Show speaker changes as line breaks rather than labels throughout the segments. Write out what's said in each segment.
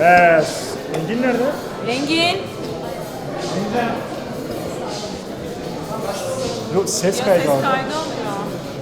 Engin nerede?
Engin.
Yok, ses
Ya
kaydı
ses
aldı.
kaydı alıyor.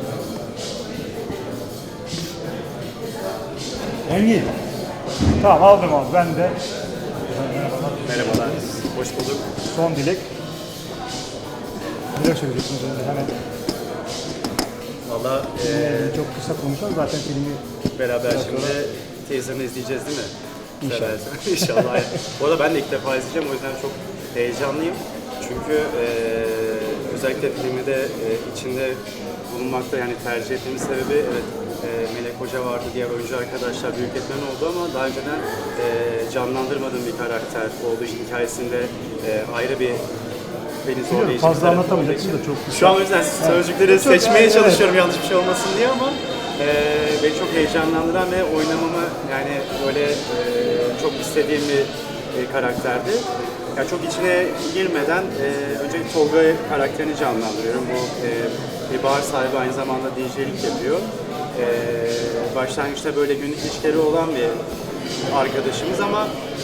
Engin. Tamam, aldım abi. Ben de
Merhabalar, hoş bulduk.
son dilek. Neler söyleyeceksiniz önce? Hemen
Valla
çok kısa konuşalım. Zaten filmi
beraber şimdi teaserını izleyeceğiz değil mi?
İnşallah.
Beraber. İnşallah. Bu arada ben de ilk defa izleyeceğim, o yüzden çok heyecanlıyım. Çünkü özellikle filmi de içinde bulunmakta, yani tercih etmemin sebebi evet, Melek Hoca vardı, diğer oyuncu arkadaşlar büyük etmen oldu ama daha önceden canlandırmadığım bir karakter olduğu için hikayesinde ayrı bir beni zorlayıcı.
fazla
bir tarafı
anlatamayacaksın
olduğu
da
için.
çok kısa.
Şu an o yüzden sözcükleri
Çok-
seçmeye
evet.
çalışıyorum yanlış bir şey olmasın diye ama beni çok heyecanlandıran ve oynamamı yani böyle çok istediğim bir karakterdi. Yani çok içine girmeden önce Tolga karakterini canlandırıyorum. Bu bir bar sahibi, aynı zamanda DJ'lik yapıyor. Başlangıçta böyle günlük ilişkileri olan bir arkadaşımız ama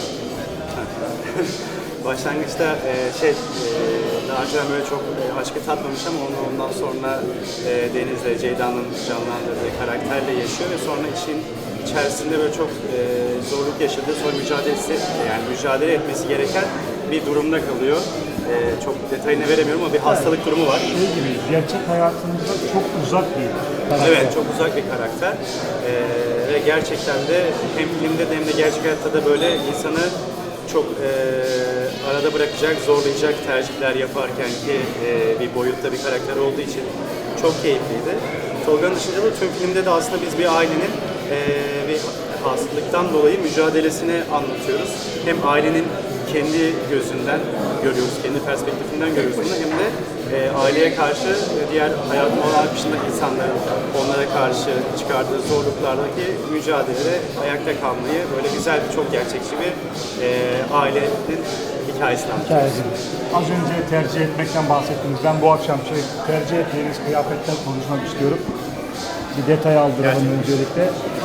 başlangıçta daha önce böyle çok aşkı tatmamış ama onu ondan sonra Deniz'le Ceyda'nın canlandırdığı karakterle yaşıyor ve sonra işin içerisinde böyle çok zorluk yaşadığı, sonra mücadele etmesi gereken bir durumda kalıyor. Çok detayını veremiyorum ama bir hastalık durumu var.
Şey gibi, gerçek hayatımızda çok uzak bir karakter.
Evet, çok uzak bir karakter ve gerçekten de hem filmde de hem de gerçek hayatta da böyle insanı çok arada bırakacak, zorlayacak tercihler yaparken ki bir boyutta bir karakter olduğu için çok keyifliydi. Tolga'nın dışında da tüm filmde de aslında biz bir ailenin bir hastalıktan dolayı mücadelesini anlatıyoruz. Hem ailenin kendi gözünden görüyoruz, kendi perspektifinden görüyoruz bunu, hem de aileye karşı diğer hayatın olan dışındaki insanların onlara karşı çıkardığı zorluklardaki mücadelede ayakta kalmayı böyle güzel bir, çok gerçekçi bir ailenin hikayesini anlatıyoruz.
Hikayesi. Az önce tercih etmekten bahsettiniz. Ben bu akşam tercih ettiğiniz kıyafetten konuşmak istiyorum. Bir detay aldıralım öncelikle.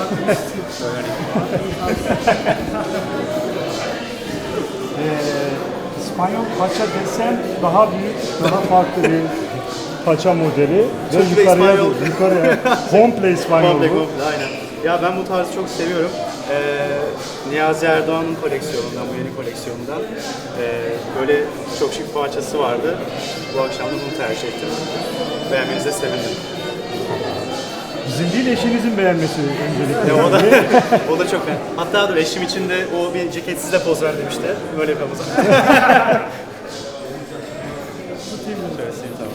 İspanyol paça desen daha büyük, daha farklı bir paça modeli. Ve yukarıya,
İspanyol.
yukarıya komple İspanyol
Komple,
bu.
komple, aynen. Ya ben bu tarzı çok seviyorum. Niyazi Erdoğan'ın koleksiyonundan, bu yeni koleksiyonundan böyle çok şık bir parçası vardı. Bu akşam da bunu tercih ettim. Beğenmenize sevindim.
Bizim değil, eşinizin beğenmesi öncelikle.
Ya o da çok beğendim. Hatta dur, eşim için de o bir ceketsiz de poz ver demişti. Böyle yapalım o zaman. Şöyle sileyim, tamam.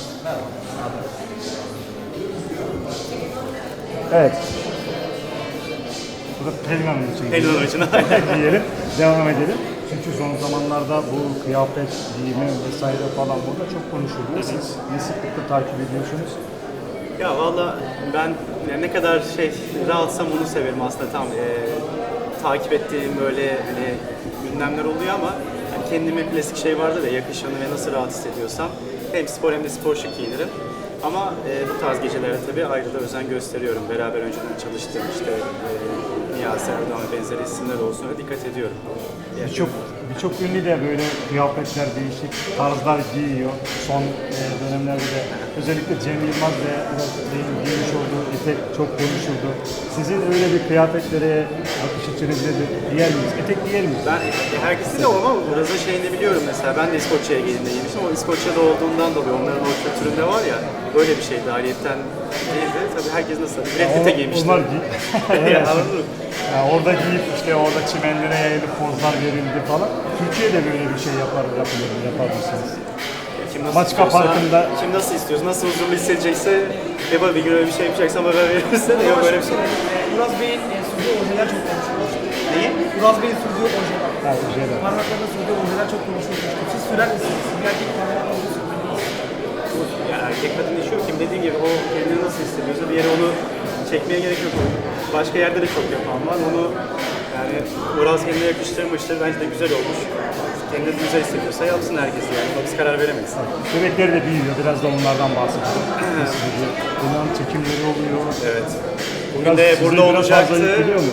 Evet. Bu da Pelin Hanım için.
Pelin Hanım için.
diyelim. Devam edelim. Çünkü son zamanlarda bu kıyafet, giyimi vesaire falan burada çok konuşuluyor. Siz ne sıklıkla takip ediyorsunuz?
Ya valla ben yani ne kadar rahatsam onu severim aslında, tam takip ettiğim böyle hani gündemler oluyor ama hani kendime klasik şey vardır ya, yakışanı ve nasıl rahat hissediyorsam hem spor hem de spor şık giyinirim. Ama bu tarz gecelere tabii ayrı da özen gösteriyorum. Beraber önceden çalıştığım işte Niyazi Erdoğan ve benzeri isimler olsun, öyle dikkat ediyorum.
Birçok ünlü de böyle kıyafetler, değişik tarzlar giyiyor. Son dönemlerde de özellikle Cem Yılmaz ve giymiş olduğu etek çok konuşuldu. Sizin öyle bir kıyafetlere bakış açınız nedir? Giyer miyiz? Etek giyer miyiz?
Ben herkesi de ama Uraz'ın şeyini biliyorum mesela. Ben de İskoçya'ya giydiğimde giymiştim. O İskoçya'da olduğundan dolayı onların o kültüründe var ya, böyle bir şeydi. Ayrıyetten değildi. Tabii herkes nasıl? Brad Pitt'e giymişti.
Onlar
Yani anladın mı?
yani orada giyip işte orada çimenlere yayılıp pozlar verildi falan. Türkiye'de böyle bir şey yapar mısınız?
Kim nasıl
Maçka
istiyorsa,
Parkı'nda-
kim nasıl istiyorsa, nasıl huzurlu hissedecekse, bir gün öyle bir şey yapacaksan haber verirse de yok böyle bir şey.
Uraz Bey'in sürdüğü ojeler çok konuşulur.
Neyi?
Uraz Bey'in sürdüğü ojeler.
Ha, şeyler.
Parmaklarında sürdüğü ojeler çok konuşulur. Siz sürer misiniz? Bir erkek parmaklarında oje sürer misiniz?
Ya erkek kadın işi yok. Kim dediğim gibi o kendini nasıl hissediyorsa bir yere onu çekmeye gerek yok. Başka yerde de çok yapan var. Onu yani Uraz kendine yakıştırmıştır. Bence de güzel olmuş. Kendini güzel hissediyorsa yapsın herkes yani. Biz karar veremeyiz.
Bebekleri de büyüyor. Biraz da onlardan bahsedelim. Nasıl gidiyor? Bunların çekimleri oluyor.
Evet. Bugün
Biraz
de
sizi
burada
biraz fazla
olacaktı.
etkiliyor mu?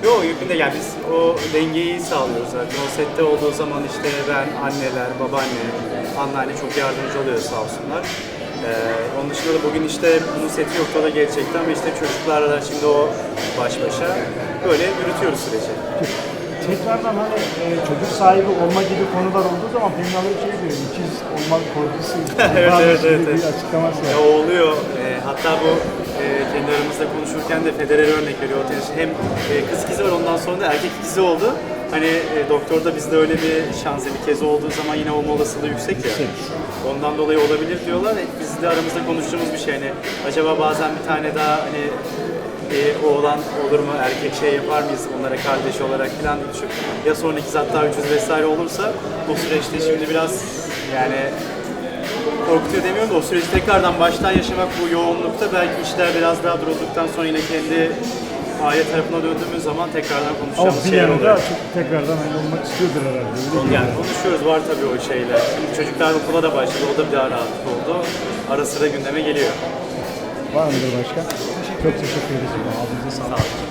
Yok yükünde yani biz o dengeyi sağlıyoruz zaten. O sette olduğu zaman işte ben, anneler, babaanne, anneanne çok yardımcı oluyor sağ olsunlar. Onun dışında da bugün işte bunun seti yoktu da gelecekti ama işte çocuklarla da şimdi o baş başa böyle yürütüyoruz süreci.
Tekrardan hani çocuk sahibi olma gibi konular olduğu zaman Pelin Hanım şey diyor, ikiz olmak korkusu.
Evet,
bazı
evet,
gibi
evet,
bir
evet.
açıklaması var.
Ya o oluyor. Hatta bu kendi aramızda konuşurken de Federer'e örnek veriyor. O tenis hem kız ikizi var ondan sonra da erkek ikizi oldu. Hani doktorda bizde öyle bir şansı bir kez olduğu zaman yine olma olasılığı yüksek ya. Ondan dolayı olabilir diyorlar. Biz de aramızda konuştuğumuz bir şey. Hani acaba bazen bir tane daha hani oğlan olur mu, erkek şey yapar mıyız onlara kardeş olarak falan diye düşün. Ya sonra ikiz hatta 300 vesaire olursa bu süreçte şimdi biraz yani korkutuyor demiyorum da o süreci tekrardan baştan yaşamak bu yoğunlukta belki işler biraz daha durulduktan sonra yine kendi aile tarafına döndüğümüz zaman tekrardan
Ama
konuşacağımız
bir
şeyler
yanı da
oluyor.
çok tekrardan aynı olmak istiyordur herhalde. Öyle değil mi?
Yani konuşuyoruz var tabii o şeyler. Şimdi çocuklar okula da başladı o da bir daha rahatlık oldu. Ara sıra gündeme geliyor.
Var mıdır başka? Çok teşekkür ederiz. Ağzınıza sağlık.